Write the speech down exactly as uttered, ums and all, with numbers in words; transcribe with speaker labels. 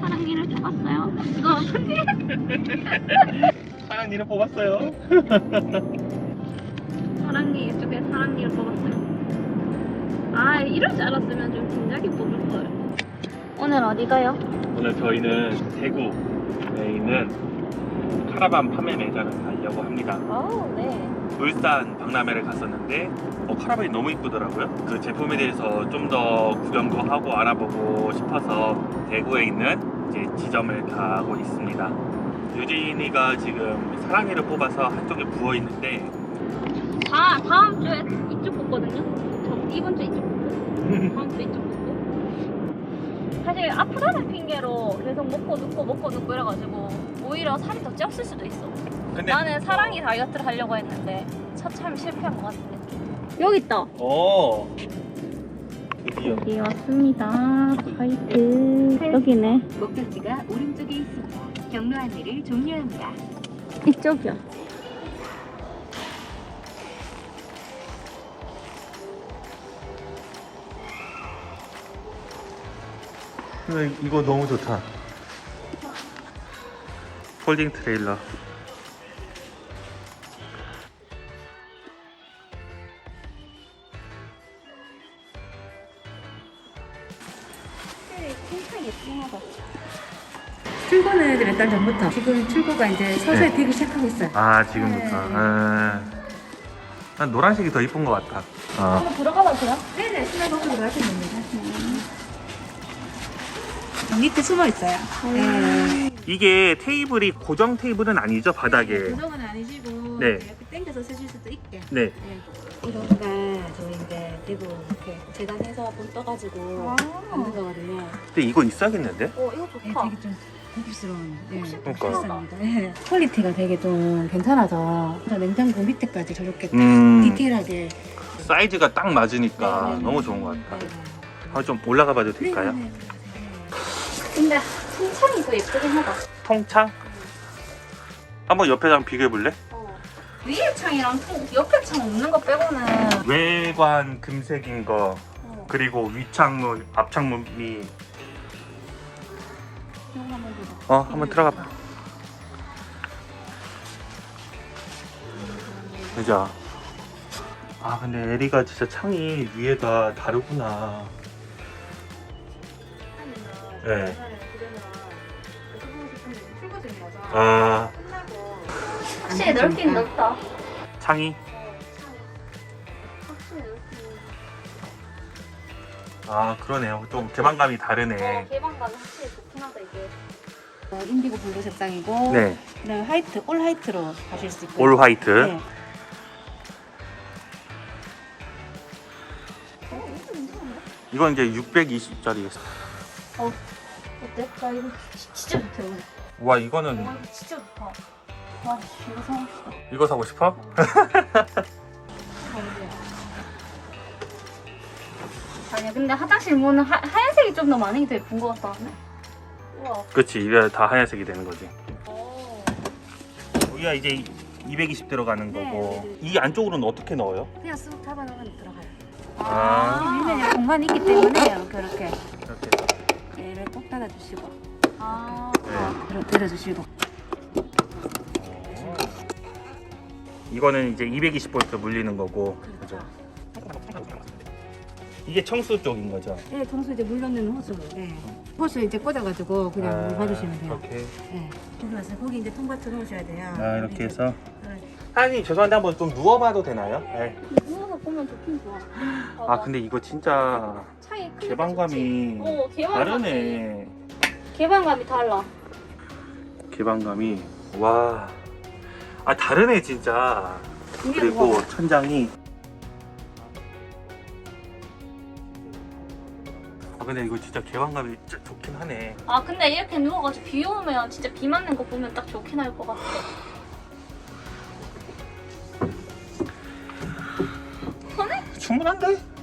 Speaker 1: 사랑니를 뽑았어요. 이거 편지.
Speaker 2: 사랑니를 뽑았어요.
Speaker 1: 사랑니 이쪽에 사랑니를 뽑았어요. 아 이럴 줄 알았으면 좀 진작에 뽑을 걸. 오늘 어디 가요?
Speaker 2: 오늘 저희는 대구에 있는 카라반 판매 매장을 가려고 합니다.
Speaker 1: 오 네.
Speaker 2: 울산 박람회를 갔었는데 어, 카라반이 너무 이쁘더라고요. 그 제품에 대해서 좀 더 구경도 하고 알아보고 싶어서 대구에 있는 이제 지점을 가고 있습니다. 유진이가 지금 사랑니를 뽑아서 한쪽에 부어 있는데
Speaker 1: 다 다음 주에 이쪽 뽑거든요. 저 이번 주 이쪽 뽑고 다음 주 이쪽 뽑고. 사실 아프다는 핑계로 계속 먹고 눕고 먹고 눕고 이래가지고 오히려 살이 더 쪘을 수도 있어.
Speaker 2: 근데
Speaker 1: 나는 사랑니 다이어트를 하려고 했는데 처참히 실패한 것 같은데. 여기 있다.
Speaker 2: 어 드디어
Speaker 1: 여기 왔습니다. 화이트. 여기네.
Speaker 3: 목적지가 오른쪽에 있습니다. 경로 안내를 종료합니다.
Speaker 1: 이쪽이야.
Speaker 2: 근데 이거 너무 좋다. 폴딩 트레일러.
Speaker 1: 진짜 예쁘다.
Speaker 3: 출고는 이제 몇 달 전부터 지금 출고가 이제 서서히
Speaker 2: 네.
Speaker 3: 되기 시작하고 있어요.
Speaker 2: 아 지금부터.
Speaker 3: 네.
Speaker 2: 아, 난 노란색이 더 이쁜 것 같아. 아.
Speaker 1: 한번 들어가봐도 돼요?
Speaker 3: 네네, 신발 벗고 들어가시면 됩니다. 밑에 숨어 있어요. 네.
Speaker 2: 이게 테이블이 고정 테이블은 아니죠, 바닥에.
Speaker 3: 고정은 아니시고
Speaker 2: 네.
Speaker 3: 이렇게 당겨서 쓰실 수도 있게.
Speaker 2: 네.
Speaker 3: 네. 이거가 저희 이제 대구 이렇게 재단해서 돈 떠가지고 만든 거거든요.
Speaker 2: 근데 이거 있어야겠는데?
Speaker 1: 어 이거
Speaker 3: 네,
Speaker 1: 좋다.
Speaker 3: 되게 좀 고급스러운. 네.
Speaker 2: 그러니까.
Speaker 3: 비쌉니다. 네. 퀄리티가 되게 좀 괜찮아서 냉장고 밑에까지 저렇게
Speaker 2: 음.
Speaker 3: 디테일하게.
Speaker 2: 사이즈가 딱 맞으니까
Speaker 3: 네, 네.
Speaker 2: 너무 좋은 것 같아.
Speaker 3: 네.
Speaker 2: 한번 좀 올라가 봐도
Speaker 3: 네,
Speaker 2: 될까요?
Speaker 3: 네, 네.
Speaker 1: 근데 통창이 더 예쁘긴 하다.
Speaker 2: 통창? 한번 옆에 한번 비교해 볼래?
Speaker 1: 어. 위에 창이랑 통, 옆에 창 없는 거 빼고는
Speaker 2: 외관 금색인 거
Speaker 1: 어.
Speaker 2: 그리고 윗창문, 앞창문이
Speaker 1: 이거 한번 보자.
Speaker 2: 어 한번 들어가 봐. 그죠? 아 근데 에리가 진짜 창이 위에가 다르구나. 네. 아
Speaker 1: 확실히 넓긴 넓다.
Speaker 2: 창이?
Speaker 1: 확실히 넓긴.
Speaker 2: 아 그러네요. 좀 개방감이
Speaker 1: 어,
Speaker 2: 다르네.
Speaker 1: 개방감이 확실히 좋긴 하다 이게.
Speaker 3: 어, 인디고 블루 색상이고
Speaker 2: 네.
Speaker 3: 그다음에 화이트, 올 화이트로 가실 수 있고.
Speaker 2: 올 화이트.
Speaker 3: 네.
Speaker 2: 이건 이제 육백이십짜리.
Speaker 1: 어 어때? 나 이거 진짜 좋다 이거.
Speaker 2: 와 이거는
Speaker 1: 와 이거 진짜 좋다. 와 이거 사고 싶다.
Speaker 2: 이거 사고 싶어?
Speaker 1: 아니야 근데 화장실 문은 하, 하얀색이 좀 더 많은 게 더 예쁜 것 같다. 우와.
Speaker 2: 그렇지 이게 다 하얀색이 되는 거지.
Speaker 1: 오.
Speaker 2: 여기가 이제 이백이십 들어가는
Speaker 3: 네,
Speaker 2: 거고
Speaker 3: 네,
Speaker 2: 이 안쪽으로는 어떻게 넣어요?
Speaker 3: 그냥 쑥 잡아놓으면 들어가요.
Speaker 2: 아.
Speaker 3: 밀면 공간이 있기 때문에 이렇게 이렇게
Speaker 2: 이렇게.
Speaker 3: 얘를 꼭 닫아주시고
Speaker 1: 아.
Speaker 2: 네.
Speaker 3: 이렇게 들어주시고.
Speaker 2: 이거는 이제 이백이십 볼트 물리는 거고 그죠? 이게 청수 쪽인 거죠?
Speaker 3: 네, 청소 이제 물 넣는 호스. 네. 호스 이제 꽂아가지고 그냥 물 받으시면 돼요.
Speaker 2: 이렇게.
Speaker 3: 네. 거기 와서 거기 이제 통과트 넣으셔야 돼요.
Speaker 2: 아 이렇게 해서.
Speaker 3: 네.
Speaker 2: 사장님 죄송한데 한번 좀 누워봐도 되나요? 네.
Speaker 1: 누워서 보면 좋긴 좋아.
Speaker 2: 아 근데 이거 진짜
Speaker 1: 차이 크니까
Speaker 2: 개방감이
Speaker 1: 좋지. 어, 개방감이
Speaker 2: 다르네.
Speaker 1: 개방감이 달라.
Speaker 2: 개방감이 와. 아 다르네 진짜.
Speaker 1: 이게
Speaker 2: 그리고
Speaker 1: 뭐야?
Speaker 2: 천장이. 아 근데 이거 진짜 개방감이 진짜 좋긴 하네.
Speaker 1: 아 근데 이렇게 누워가지고 비 오면 진짜 비 맞는 거 보면 딱 좋긴 할 것 같아.
Speaker 2: 충분한데?